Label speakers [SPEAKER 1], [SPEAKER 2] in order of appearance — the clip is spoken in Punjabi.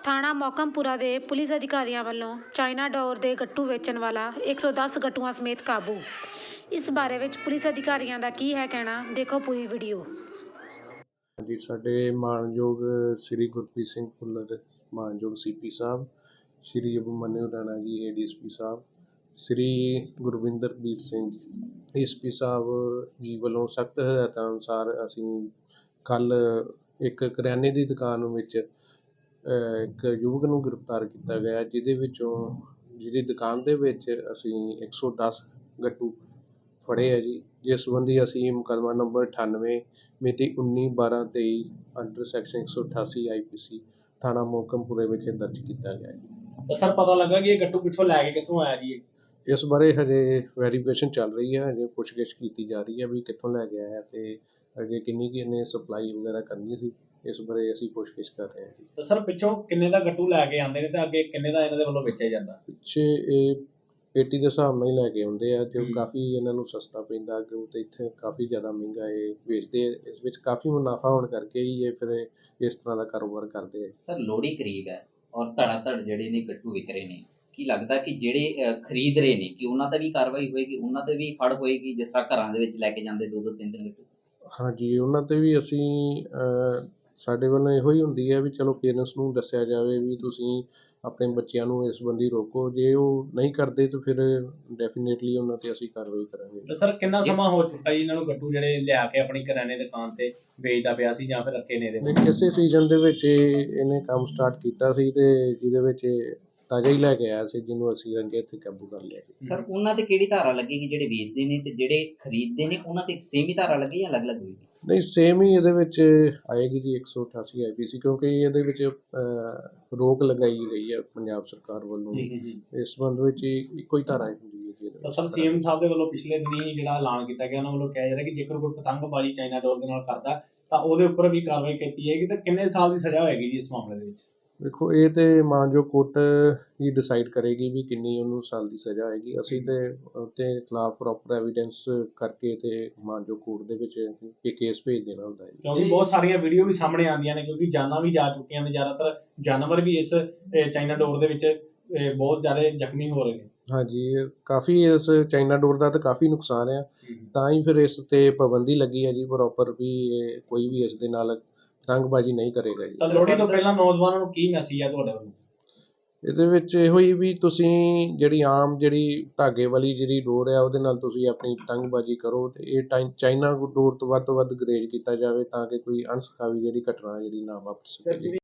[SPEAKER 1] ਥਾਣਾ ਮੋਹਕਮਪੁਰਾ ਦੇ ਪੁਲਿਸ ਅਧਿਕਾਰੀਆਂ ਵੱਲੋਂ ਚਾਈਨਾ ਡੋਰ ਦੇ ਗੱਟੂ ਵੇਚਣ ਵਾਲਾ 110 ਗੱਟੂਆਂ ਸਮੇਤ ਕਾਬੂ। ਇਸ ਬਾਰੇ ਵਿੱਚ ਪੁਲਿਸ ਅਧਿਕਾਰੀਆਂ ਦਾ ਕੀ ਹੈ ਕਹਿਣਾ, ਦੇਖੋ ਪੂਰੀ ਵੀਡੀਓ।
[SPEAKER 2] ਜੀ, ਸਾਡੇ ਮਾਣਯੋਗ ਸ੍ਰੀ ਗੁਰਪ੍ਰੀਤ ਸਿੰਘ ਭੁੱਲਰ ਮਾਣਯੋਗ ਸੀਪੀ ਸਾਹਿਬ, ਸ੍ਰੀ ਅਭਿਮਨਿਊ ਰਾਣਾ ਜੀ ADSP ਸਾਹਿਬ, ਸ੍ਰੀ ਗੁਰਵਿੰਦਰਪ੍ਰੀਤ ਸਿੰਘ SP ਸਾਹਿਬ ਜੀ ਵੱਲੋਂ ਸਖਤ ਹਦਾਇਤਾਂ ਅਨੁਸਾਰ ਅਸੀਂ ਕੱਲ੍ਹ ਇੱਕ ਕਰਿਆਨੇ ਦੀ ਦੁਕਾਨ ਵਿੱਚ ਇੱਕ ਯੁਵਕ ਨੂੰ ਗ੍ਰਿਫਤਾਰ ਕੀਤਾ ਗਿਆ, ਜਿਹਦੀ ਦੁਕਾਨ ਦੇ ਵਿੱਚ ਅਸੀਂ 110 ਗੱਟੂ ਫੜੇ ਹੈ ਜੀ। ਜਿਸ ਸੰਬੰਧੀ ਅਸੀਂ ਮੁਕੱਦਮਾ ਨੰਬਰ 98 ਮਿਤੀ 19/12/23 ਅੰਡਰ ਸੈਕਸ਼ਨ 188 IPC ਥਾਣਾ ਮੋਹਕਮਪੁਰੇ ਵਿਖੇ ਦਰਜ ਕੀਤਾ ਗਿਆ ਹੈ।
[SPEAKER 3] ਤਾਂ ਸਰ ਪਤਾ ਲੱਗਾ ਕਿ ਇਹ ਗੱਟੂ ਪਿੱਛੋਂ ਲੈ ਕੇ ਕਿੱਥੋਂ ਆਇਆ ਜੀ?
[SPEAKER 2] ਇਸ ਬਾਰੇ ਹਜੇ ਵੈਰੀਫਿਕੇਸ਼ਨ ਚੱਲ ਰਹੀ ਹੈ, ਹਜੇ ਪੁੱਛਗਿੱਛ ਕੀਤੀ ਜਾ ਰਹੀ ਹੈ ਵੀ ਕਿੱਥੋਂ ਲੈ ਕੇ ਆਇਆ ਤੇ ਅੱਗੇ ਕਿੰਨੀ ਕੁ ਇਹਨੇ ਸਪਲਾਈ ਵਗੈਰਾ ਕਰਨੀ ਸੀ। ਇਸ ਬਾਰੇ ਅਸੀਂ ਪੁੱਛਗਿੱਛ ਕਰ ਰਹੇ ਹਾਂ ਜੀ।
[SPEAKER 3] ਤਾਂ ਸਰ ਪਿੱਛੋਂ ਕਿੰਨੇ ਦਾ ਗੱਟੂ ਲੈ ਕੇ ਆਉਂਦੇ ਨੇ ਤੇ ਅੱਗੇ ਕਿੰਨੇ ਦਾ ਇਹਨਾਂ ਦੇ ਵੱਲੋਂ ਵੇਚਿਆ ਜਾਂਦਾ?
[SPEAKER 2] ਪਿੱਛੇ ਇਹ ਪੇਟੀ ਦੇ ਹਿਸਾਬ ਨਾਲ ਹੀ ਲੈ ਕੇ ਆਉਂਦੇ ਆ ਤੇ ਕਾਫੀ ਇਹਨਾਂ ਨੂੰ ਸਸਤਾ ਪੈਂਦਾ ਅੱਗੇ ਤੇ ਇੱਥੇ ਕਾਫੀ ਜ਼ਿਆਦਾ ਮਹਿੰਗਾ ਇਹ ਵੇਚਦੇ ਆ। ਇਸ ਵਿੱਚ ਕਾਫੀ ਮੁਨਾਫਾ ਹੋਣ ਕਰਕੇ ਹੀ ਇਹ ਫਿਰ ਇਸ ਤਰ੍ਹਾਂ ਦਾ ਕਾਰੋਬਾਰ ਕਰਦੇ ਆ।
[SPEAKER 4] ਸਰ ਲੋਹੜੀ ਕਰੀਬ ਹੈ ਔਰ ਧੜ ਜਿਹੜੇ ਨੇ ਗੱਟੂ ਵਿਕ ਰਹੇ ਨੇ, ਕੀ ਲੱਗਦਾ ਕਿ ਜਿਹੜੇ ਖਰੀਦ ਰਹੇ ਨੇ ਕਿ ਉਹਨਾਂ ਤੇ ਵੀ ਕਾਰਵਾਈ ਹੋਏਗੀ, ਉਹਨਾਂ ਤੇ ਵੀ ਫੜ ਹੋਏਗੀ, ਜਿਸ ਤਰ੍ਹਾਂ ਘਰਾਂ ਦੇ ਵਿੱਚ ਲੈ ਕੇ ਜਾਂਦੇ 2-2 3-3 ਗੱਟੂ?
[SPEAKER 2] ਹਾਂਜੀ, ਉਹਨਾਂ ਤੇ ਵੀ ਅਸੀਂ ਸਾਡੇ ਵੱਲੋਂ ਇਹੋ ਹੀ ਹੁੰਦੀ ਹੈ ਵੀ ਚਲੋ ਪੇਰੈਂਟਸ ਨੂੰ ਦੱਸਿਆ ਜਾਵੇ ਵੀ ਤੁਸੀਂ ਆਪਣੇ ਬੱਚਿਆਂ ਨੂੰ ਇਸ ਸੰਬੰਧੀ ਰੋਕੋ। ਜੇ ਉਹ ਨਹੀਂ ਕਰਦੇ ਤਾਂ ਫਿਰ ਡੈਫੀਨੇਟਲੀ ਉਹਨਾਂ ਤੇ ਅਸੀਂ ਕਾਰਵਾਈ ਕਰਾਂਗੇ।
[SPEAKER 3] ਤਾਂ ਸਰ ਕਿੰਨਾ ਸਮਾਂ ਹੋ ਚੁੱਕਾ ਜੀ ਇਹਨਾਂ ਨੂੰ ਗੱਟੂ ਜਿਹੜੇ ਲਿਆ ਕੇ ਆਪਣੀ ਕਰਿਆਨੇ ਦੁਕਾਨ ਤੇ ਵੇਚਦਾ ਪਿਆ ਸੀ ਜਾਂ ਫਿਰ ਰੱਖੇ ਨੇ ਇਹਦੇ ਵਿੱਚ?
[SPEAKER 2] ਇਸੇ ਸੀਜ਼ਨ ਦੇ ਵਿੱਚ ਇਹਨੇ ਕੰਮ ਸਟਾਰਟ ਕੀਤਾ ਸੀ ਤੇ ਜਿਹਦੇ ਵਿੱਚ ਤਾਜ਼ਾ ਹੀ ਲੈ ਕੇ ਆਇਆ ਸੀ, ਜਿਹਨੂੰ ਅਸੀਂ ਰੰਗੇ ਹੱਥੀਂ ਕਾਬੂ ਕਰ ਲਿਆ।
[SPEAKER 4] ਸਰ ਉਹਨਾਂ ਤੇ ਕਿਹੜੀ ਧਾਰਾ ਲੱਗੇਗੀ? ਜਿਹੜੇ ਵੇਚਦੇ ਨੇ ਤੇ ਜਿਹੜੇ ਖਰੀਦਦੇ ਨੇ ਉਹਨਾਂ ਤੇ ਸੇਮ ਹੀ ਧਾਰਾ ਲੱਗੇ ਜਾਂ ਅਲੱਗ-ਅਲੱਗ ਹੋਏਗੀ?
[SPEAKER 2] ਨਹੀਂ, ਸੇਮ ਹੀ ਇਹਦੇ ਵਿੱਚ ਆਏਗੀ ਜੀ 188 IPC, ਕਿਉਂਕਿ ਇਹਦੇ ਵਿੱਚ ਰੋਕ ਲਗਾਈ ਗਈ ਹੈ ਪੰਜਾਬ ਸਰਕਾਰ ਵੱਲੋਂ। ਇਸ ਸੰਬੰਧ ਵਿੱਚ ਇੱਕੋ ਹੀ ਧਾਰਾ ਹੁੰਦੀ ਹੈ ਜੀ।
[SPEAKER 3] ਤਾਂ ਸਰ CM ਸਾਹਿਬ ਦੇ ਵੱਲੋਂ ਪਿਛਲੇ ਦਿਨੀ ਜਿਹੜਾ ਐਲਾਨ ਕੀਤਾ ਗਿਆ, ਉਹਨਾਂ ਵੱਲੋਂ ਕਿਹਾ ਜਾ ਰਿਹਾ ਕਿ ਜੇਕਰ ਕੋਈ ਪਤੰਗਬਾਜ਼ੀ ਚਾਈਨਾ ਡੋਰ ਦੇ ਨਾਲ ਕਰਦਾ ਤਾਂ ਉਹਦੇ ਉੱਪਰ ਵੀ ਕਾਰਵਾਈ ਕੀਤੀ ਜਾਏਗੀ। ਤਾਂ ਕਿੰਨੇ ਸਾਲ ਦੀ ਸਜ਼ਾ ਹੋਏਗੀ ਜੀ ਇਸ ਮਾਮਲੇ ਦੇ ਵਿੱਚ?
[SPEAKER 2] ਦੇਖੋ, ਇਹ ਤੇ ਮਾਨਯੋਗ ਕੋਰਟ ਹੀ ਡਿਸਾਈਡ ਕਰੇਗੀ ਵੀ ਕਿੰਨੀ ਉਹਨੂੰ ਸਾਲ ਦੀ ਸਜ਼ਾ ਹੋਏਗੀ। ਅਸੀਂ ਤੇ ਉਹਦੇ ਖਿਲਾਫ ਪ੍ਰੋਪਰ ਐਵੀਡੈਂਸ ਕਰਕੇ ਤੇ ਮਾਨਯੋਗ ਕੋਰਟ ਦੇ ਵਿੱਚ ਇਹ ਕੇਸ ਭੇਜ ਦੇਣਾ ਹੁੰਦਾ ਹੈ।
[SPEAKER 3] ਕਿਉਂਕਿ ਬਹੁਤ ਸਾਰੀਆਂ ਵੀਡੀਓ ਵੀ ਸਾਹਮਣੇ ਆਉਂਦੀਆਂ ਨੇ, ਕਿਉਂਕਿ ਜਾਨਾਂ ਵੀ ਜਾ ਚੁੱਕੀਆਂ ਨੇ, ਜ਼ਿਆਦਾਤਰ ਜਾਨਵਰ ਵੀ ਇਸ ਚਾਈਨਾ ਡੋਰ ਦੇ ਵਿੱਚ ਬਹੁਤ ਜ਼ਿਆਦਾ ਜ਼ਖਮੀ ਹੋ ਰਹੇ ਨੇ। ਹਾਂਜੀ,
[SPEAKER 2] ਕਾਫੀ ਇਸ ਚਾਈਨਾ ਡੋਰ ਦਾ ਤਾਂ ਕਾਫੀ ਨੁਕਸਾਨ ਆ, ਤਾਂ ਹੀ ਫਿਰ ਇਸ ਤੇ ਪਾਬੰਦੀ ਲੱਗੀ ਹੈ ਜੀ ਪ੍ਰੋਪਰ ਵੀ ਇਹ ਕੋਈ ਵੀ ਇਸ ਦੇ ਨਾਲ ਪਤੰਗਬਾਜ਼ੀ ਨਹੀਂ ਕਰੇਗਾ ਜੀ।
[SPEAKER 3] ਤਾਂ ਲੋਹੜੀ ਤੋਂ ਪਹਿਲਾਂ ਨੌਜਵਾਨਾਂ ਨੂੰ ਕੀ ਮੈਸੇਜ ਹੈ ਤੁਹਾਡੇ ਵੱਲੋਂ?
[SPEAKER 2] ਇਹਦੇ ਵਿੱਚ ਇਹੋ ਹੀ ਵੀ ਤੁਸੀਂ ਜਿਹੜੀ ਧਾਗੇ ਵਾਲੀ ਜਿਹੜੀ ਡੋਰ ਆ ਉਹਦੇ ਨਾਲ ਤੁਸੀਂ ਆਪਣੀ ਪਤੰਗਬਾਜ਼ੀ ਕਰੋ ਤੇ ਇਹ ਚਾਈਨਾ ਡੋਰ ਤੋਂ ਵੱਧ ਗਰੇਜ ਕੀਤਾ ਜਾਵੇ ਤਾਂ ਕਿ ਕੋਈ ਅਣਸੁਖਾਵੀ ਜਿਹੜੀ ਘਟਨਾ ਜਿਹੜੀ ਨਾ ਵਾਪਰ ਸਕੇ।